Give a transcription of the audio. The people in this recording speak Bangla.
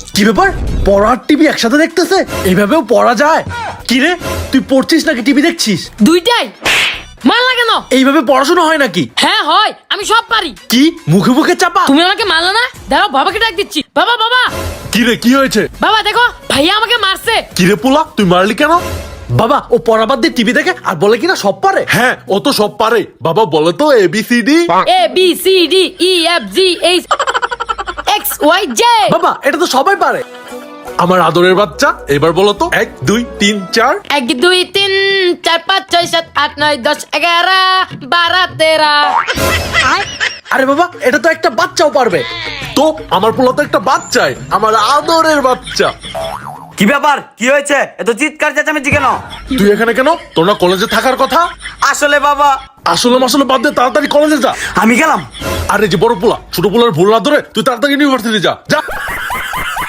কি ব্যাপার, পড়ার টিভি একসাথে দেখতেছে? এইভাবেও পড়া যায়? কি রে, তুই পড়ছিস নাকি টিভি দেখছিস? দুইটাই। মারলা কেন? এইভাবে পড়াশোনা হয় নাকি? হ্যাঁ হয়, আমি সব পারি। কি মুখে মুখে চাপা? তুমি আমাকে মারলা না? দাঁড়াও, বাবাকে ডাক দিচ্ছি। বাবা বাবা কি রে, কি হয়েছে? বাবা দেখো, ভাইয়া আমাকে মারছে। কি রে পোলা, তুই মারলি কেন? বাবা, ও পড়া বাদ দিয়ে টিভি দেখে আর বলে কিনা সব পারে। হ্যাঁ, ও তো সব পারে। বাবা বলে তো ABCD। A B C D E F G H X Y J. বাবা, এটা তো সবাই পারে। আমার আদরের বাচ্চা, এবার বলো তো 1 2 3 4। 1 2 3 4 5 6 7 8 9 10 11 12 13। আরে বাবা, এটা তো একটা বাচ্চাও পারবে। তো আমার পোলা তো একটা বাচ্চাই, আমার আদরের বাচ্চা। কি ব্যাপার, কি হয়েছে? এত চিৎকার চেঁচামেচি কেন? তুই এখানে কেন? তোর না কলেজে থাকার কথা? আসলে বাবা, আসলে মাসলে বাদ দে, তাড়াতাড়ি কলেজে যা। আমি গেলাম। আরে যে বড় পোলা, ছোট পোলার ভুল না ধরে তুই তাড়াতাড়ি ইউনিভার্সিটি যা যা।